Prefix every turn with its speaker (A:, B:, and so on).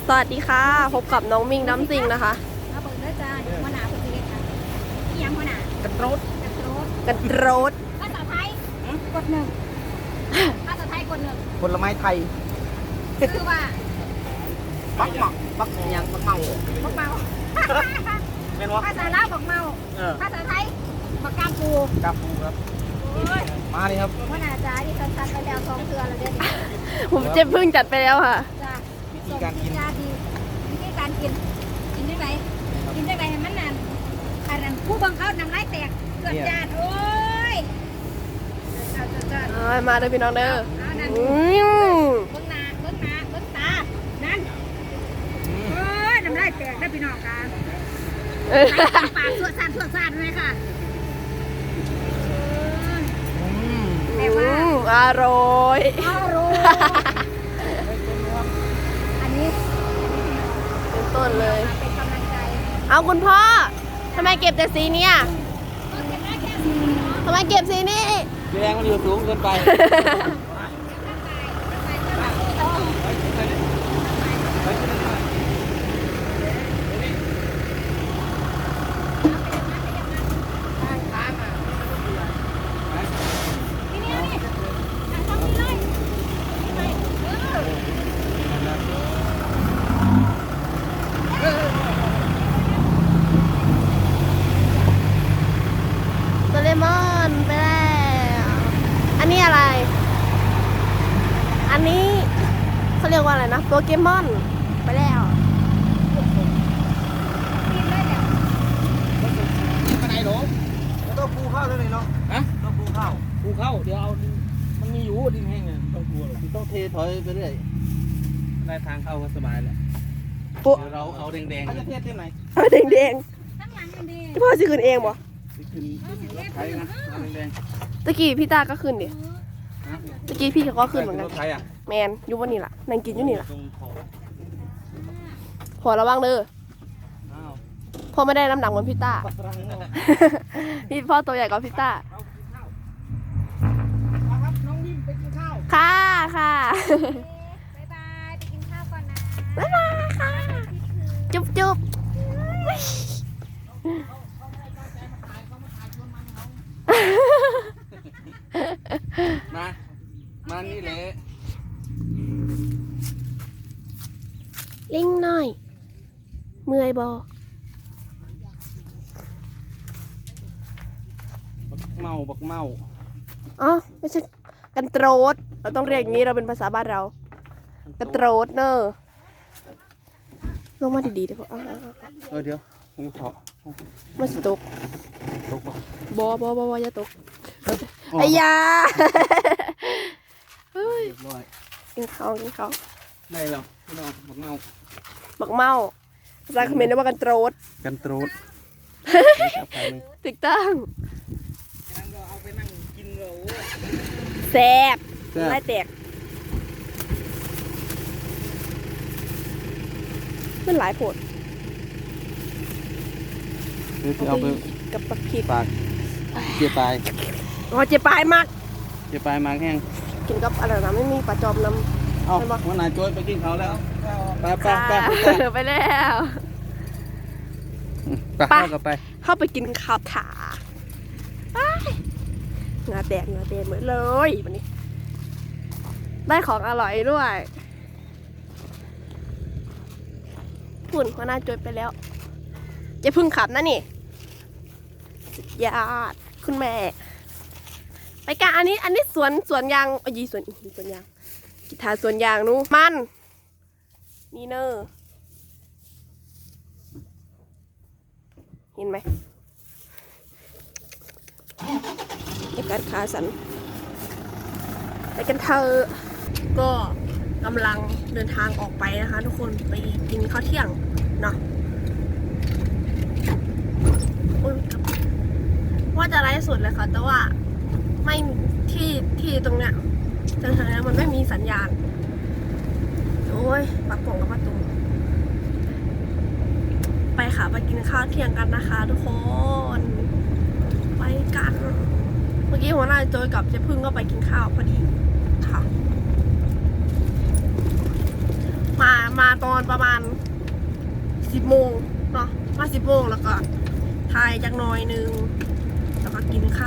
A: สวัสดีค่ะพบกับน้องมิงน้ำซิงนะคะ
B: มาเปิดด้วยจ้าเดี๋ยวหัวหน้าคนนี้ค่ะที่ยังหัวหน้า
A: กันโรด
B: กันโรด
A: กันโรด
B: ภาษาไทยกดหนึ่งภาษาไทยกดหนึ่ง
C: ผลไม้ไทย
B: คือว่า
C: บักหมักบักยังบักเมา
B: บักเมา
C: เป็นวะ
B: ภาษาลาวบักเมาภาษาไทยบักกามปู
C: กาฟูครับ
B: โอ้ย
C: มาเลยครับ
B: หัวหน้าจ้าที่สั้นๆไปแล้ว2 เทื่อแล้วเด่น
A: ผมเจ็บพึ่งจัดไปแล้วค่ะ
B: จ้าส่งกินยาดีวิธีการกินได้ไหมกินได้ไหมมันนั่นอันนั้นผู้บังคับน้ำลายแตกเกิดจานโอ้ยจ้า
A: มาเลยพี่น้องเด้อ
B: เอานั่น
A: อืม
B: เบิ้งหน้าเบิ้งหน้าเบิ้งตา นั่นโอ้ยน้ำลายแตกได้พี่น้องกัน ปากสวดสานเลยค่ะแต่ว่า
A: อร่อย
B: อร่อยอันนี้
A: เป็นต้นเลย
B: เป็นกำลังใจ
A: เอาคุณพ่อทำไมเก็บแต่สีเนี้ยทำไมเก็บสีนี้
C: แรงมันอยู่สูงเกินไป
A: โดเรมอนไปแล้วอันนี้อะไร อันนี้เขาเรียกว่าอะไรนะโปเกมอนไปแล้ว
C: ไปไหนหรอแล้วต้องปูข้าวด้วยเนาะฮะต้องปูข้าวปูข้าวเดี๋ยวเอามันมีอยู่ดินแห้งเนี่ยต้องปูหรอกต้องเทถอยไปเรื่อยได้ทางเข้าก็สบายแล้วเดี๋ยวเราเอาแดงๆจะเทเท่าไหน
A: เอาแดง
B: ข้างหลังมันดี
A: ๆที่พ่อสิขึ้นเองบ่
C: ขึ้นไทยนะเอาแดง
A: ตะกี้พี่ตาก็ขึ้นดิ
C: ๆนะ
A: ตะกี้พี่เขาก็ขึ้นเหมือนกัน
C: รถไทยอ่ะ
A: แมนอยู่บนนี่ล่ะนั่งกินอยู่นี่ล่ะ
C: ตรงขอบ
A: พอระวังเด้อ
C: อ้าว
A: พ่อไม่ได้น้ำหนักเหมือนพี่ต้า
C: ปักรังเนาะ
A: พี่พ่อตัวใหญ่กว่าพี่ต้า
C: ครับน้องยิ้มไปกินข้าว
A: ค่ะค่ะ
B: บ๊ายบายไปกินข้าวก่อนนะ
A: บ๊ายบายค่ะ จุ๊บจุ๊บ
C: มานี่แหละ
A: ลิงหน่อย เมื่อยบอ
C: บักเมา
A: อ๋อไม่ใช่กันโตรดเราต้องเรียกอย่างนี้เราเป็นภาษาบ้านเรากันโตรดเนอะลงมาดีๆเดี๋ยวพ่อ
C: เดี๋ยวผมขอ
A: มาสิตก
C: ตกบ่
A: บอย่าตกไอ้ยาเฮ้ย
C: เรียบร้อย
A: กินเขากินเขา
C: ได้แล้วพี่น้องบักเมา
A: บักเมาภาษาเขมรเรียกว่ากันโตรด
C: กันตรูด
A: ถูกต้อง
C: นั่งก็เอาไปนั่งกินเรา
A: แซ่บ
C: แซ่บ
A: ไล่แตกมันหลายโผด
C: เดี๋ยวจะเอาไป
A: กับปักพริก
C: ปากเจียปลาย
A: อ๋อเจ็บปลายมาก
C: เจียปลายมาแห้ง
A: กินกับอะไรนะไม่มีปลาจอมน้ำ
C: เอาวันไหนโจ้ยไปกินเขาแล้วไปไป
A: ค่ะ
C: ไป
A: ไปแล้ว
C: ไปเข้ากับไป
A: เข้าไปกินข้าวขาไปเหงาแตกเหมือนเลยวันนี้ ได้ของอร่อยด้วยหุ่นหัวหน้าจดไปแล้วจะพึ่งขับนะนี่สุดยอดคุณแม่ ไปกันอันนี้สวนยางยีสวนยางกีตาร์สวนยางนู้มันนี่เนอเห็นไหมไอ้การขาสันไปกันเธอก็กำลังเดินทางออกไปนะคะ ทุกคนไปกินข้าวเที่ยงเนาะโอ๊ยว่าจะไลฟ์สดเลยค่ะแต่ว่าไม่ที่ตรงเนี้ยแถวๆนี้มันไม่มีสัญญาณโอ้ยปักป่องกับประตูไปค่ะไปกินข้าวเที่ยงกันนะคะทุกคนไปกัน เมื่อกี้หัวหน้าโจยกับเจ๊พึ่งก็ไปกินข้าวพอดีค่ะมาตอนประมาณ10 โมงเนาะมา10 โมงแล้วก็ถ่ายจักหน่อยนึงแล้วก็กินข้าว